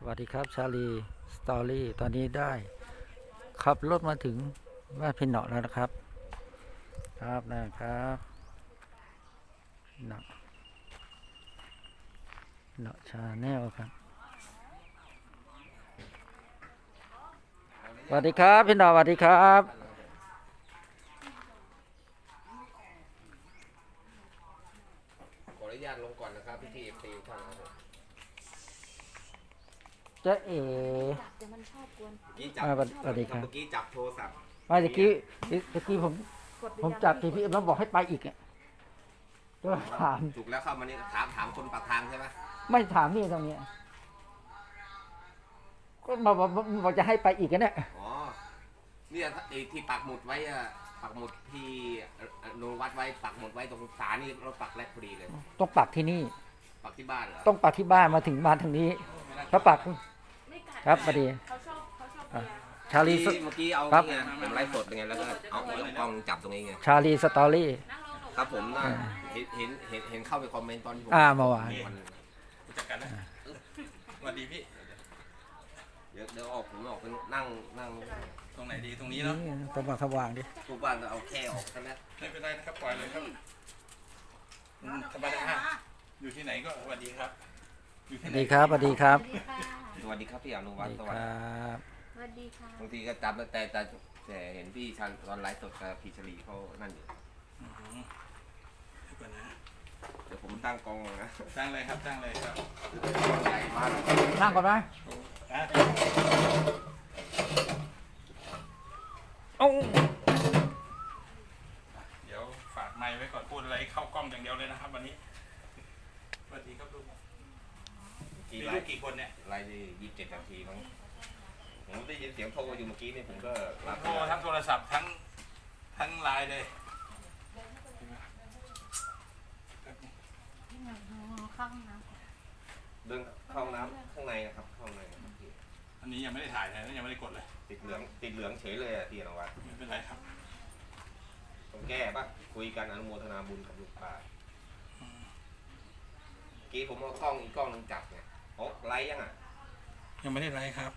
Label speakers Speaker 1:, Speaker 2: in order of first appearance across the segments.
Speaker 1: วัสดีครับชาลีสตอรี่ตอนนี้ได้ขับรถมาถึงบ้านพี่เหนาะแล้วนะครับนะครับเหนาะชาแนลครับสวัสดีครับพี่เหนาะสวัสดีครับ
Speaker 2: ขออนุญาตลงก่อนนะครับพี่ทีท่านครับ
Speaker 1: จะเอ๋
Speaker 3: เดี๋ยวมันชอบกวน
Speaker 2: เมื่อกี้จับ
Speaker 1: สวัสดีครับ
Speaker 2: เมื่อกี้จับโทรศัพท์
Speaker 1: ไม่ตะกี้ผมจับทีพีแล้วบอกให้ไปอีกอ่ะก็ถาม
Speaker 2: ถูกแล้วเข้ามานี่ถามคนปากทางใช่ไหม
Speaker 1: ไม่ถามนี่ตรงนี้ก็บอกจะให้ไปอีกกันเนี่ย
Speaker 2: อ๋อเนี่ยไอ้ที่ปักหมุดไว้อะปักหมุดที่ลงวัดไว้ปักหมุดไว้ตรงศาลนี่เราปักแรกพอดีเลย
Speaker 1: ต้องปักที่นี่
Speaker 2: ปักที่บ้านเหรอ
Speaker 1: ต้องปักที่บ้านมาถึงบ้านทางนี้ถ้าปัก
Speaker 3: ไม่กัด
Speaker 1: ครับพอดี
Speaker 3: เขาชอบ
Speaker 1: อ่ะ
Speaker 3: เบียร์
Speaker 1: ชาลี
Speaker 2: เมื่อกี้เอา
Speaker 1: ครับ
Speaker 2: นี่ไงผมไลฟ์สดไงแล้วก็เอากล้องจับตรงนี้ไง
Speaker 1: ชาลีสตอรี่
Speaker 3: นั่งลงหนู
Speaker 2: ครับผมน่ะเห็นเข้าไปคอมเมนต์ตอนที่ผม
Speaker 1: เมื่อวาน
Speaker 4: จัดการนะสวัสดีพี่
Speaker 2: เดี๋ยวผมออกไปนั่ง
Speaker 4: ตรงไหนดีตรงนี้เนาะ
Speaker 1: ตรงสว่างดิ
Speaker 2: ทุกบ้านเอาแค่ออกกันนะ
Speaker 4: ไม่เป็นไรนะครับปล่อยเลยครับสบายฮะอยู่ที่ไหนก็สวัสดีครับ อยู่
Speaker 1: ส
Speaker 4: ที่
Speaker 1: วัส
Speaker 4: ไหน
Speaker 1: ดีครับสวัสดีครับ
Speaker 3: สวัสดีค่ะ
Speaker 2: สวัสดีครับพี่อนุ
Speaker 1: ส
Speaker 2: วั
Speaker 1: วั
Speaker 2: ฒ
Speaker 1: ส
Speaker 2: น์
Speaker 1: ดี
Speaker 2: ส
Speaker 1: ค
Speaker 2: วัส
Speaker 1: ร
Speaker 2: ดี
Speaker 1: ับ
Speaker 3: สวัสดีค่ะ
Speaker 2: บางทีก็จำแต่เห็นพี่ชันตอนไลฟ์สดกับพี่ชลีเขานั่นอยู่
Speaker 4: อืมเดี๋ยวก่อนนะ
Speaker 2: เดี๋ยวผมตั้งกล้องนะ
Speaker 4: ตั้งเลยครับตั้งเลยครับ
Speaker 2: ใหญ่มาก
Speaker 1: นั่งก่อนไหม
Speaker 4: อ่ะ
Speaker 1: เอ้า
Speaker 4: เดี๋ยวฝากไมค์ไว้ก่อนพูดอะไรเข้ากล้องอย่างเดียวเลยนะครับ วันนี้สวัสดีครับลูกมี
Speaker 2: ไล
Speaker 4: ลูก
Speaker 2: ฟ์
Speaker 4: กี่คนเนี่ย
Speaker 2: ไลฟ์ได้27 นาทีมั้งผมได้ยินเสียงโทรอยู่เมื่อกี้นี่ผมก็รับ
Speaker 4: โทรทั้งโทรศัพท์ทั้งไลน์เลย
Speaker 3: ข้างน้
Speaker 2: เดินเข้าห้องน้ำข้างในนะครับเข้าห้องในนะครับพี่
Speaker 4: อันนี้ยังไม่ได้ถ่ายนะยังไม่ได้กดเลย
Speaker 2: ติดเหลืองเฉยเลยอะพี่อนุวัฒน์
Speaker 4: ไม่เป็นไรครับ
Speaker 2: ต้องแก้ป่ะคุยกันอนุโมทนาบุญกับลูกป้าเมื่อกี้ผมเอากล้องอีกกล้องนึงจับไงโอ้ไลฟ์ยังอ่ะ
Speaker 4: ยังไม่ได้ไลฟ์ครับ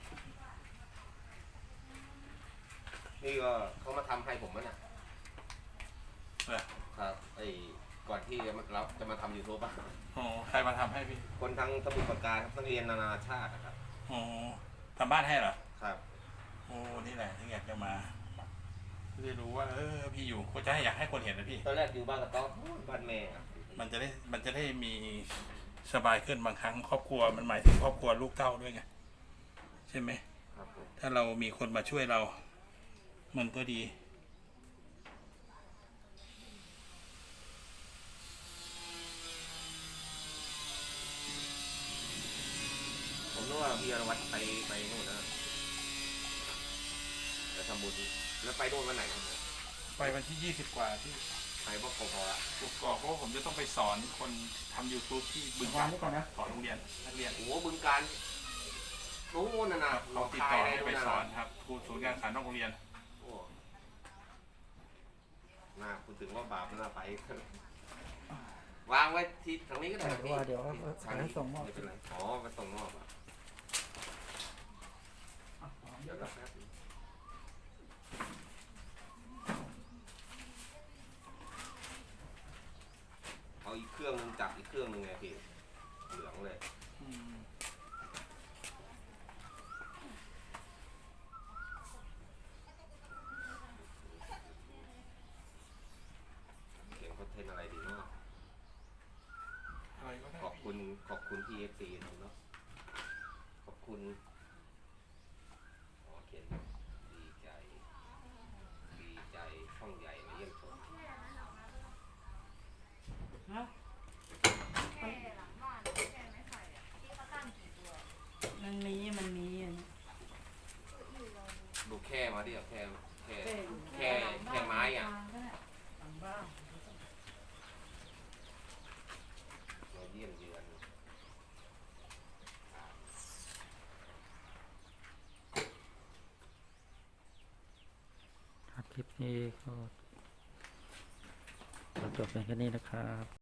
Speaker 2: นี่ก็เขามาทำให้ผมมั้งน่ะ
Speaker 4: เออ
Speaker 2: ครับไอ้ก่อนที่เราจะมาทำยูทูบป่ะ
Speaker 4: อ๋อใครมาทำให้พี่
Speaker 2: คนทั้งสมุทรปราการครับนักเรียนนานาชาตินะครับ
Speaker 4: อ๋อทำบ้านให้เหรอ
Speaker 2: ครับ
Speaker 4: โอ้นี่แหละที่อยากจะมาจะได้รู้ว่าพี่อยู่ก็จะให้อยากให้คนเห็นนะพี่
Speaker 2: ตอนแรกอยู่บ้านกระต๊อบบ้านแม่ครับ
Speaker 4: มันจะได้มีสบายขึ้นบางครั้งครอบครัวมันหมายถึงครอบครัวลูกเต้าด้วยไงใช่ไหม
Speaker 2: ครับผม
Speaker 4: ถ้าเรามีคนมาช่วยเรา มันก็ดี
Speaker 2: ผมนึกว่าพี่อนุวัฒน์ไปนู่นนะไปทำบุญแล้วไปโน่นวันไหนครับเนี่ย
Speaker 4: ไปวันที่20 กว่าที่
Speaker 2: ไปบ่พอละ
Speaker 4: กุกอกเพราะว่าผมจะต้องไปสอนคนทำ YouTube ที่บึงกาฬสอนโรงเรียนนักเรียน
Speaker 2: โอ้โหบึงการนู้นน่ะนะ
Speaker 4: เราติดต่อให้ไปสอนครับครูศูนย์การศึกษานอกโรงเรียน
Speaker 2: โอ้น่าคุณถึงว่าบาปน่าไป วางไว้ที่ทางนี้ก็ได้พี่
Speaker 1: ว่าเดี๋ยว
Speaker 2: ทาง
Speaker 1: ให้
Speaker 2: นี้
Speaker 1: ส่งมอบ
Speaker 2: ไม่เป็นไรอ๋อมาส่งมอบอ่ะเดี๋ยวรับแป๊บนึงเอาอีกเครื่องนึงจับอีกเครื่องนึงไงพี่เหลืองเลย เขียนคอนเทนต์อะไรดีเนาะ
Speaker 4: อะไรก็ได้
Speaker 2: ขอบคุณที่ FC ทำเนาะขอบคุณเขียนดีใจช่องใหญ่มาเยี่ยมชม
Speaker 5: มันมีอ่ะนะ
Speaker 2: ดูแค่มาดิแค่ไม้อ่ะ
Speaker 5: ต่างบ้าน
Speaker 2: มาเยี่ยมเยือน
Speaker 1: คลิปนี้ก็จบเป็นแค่นี้นะครับ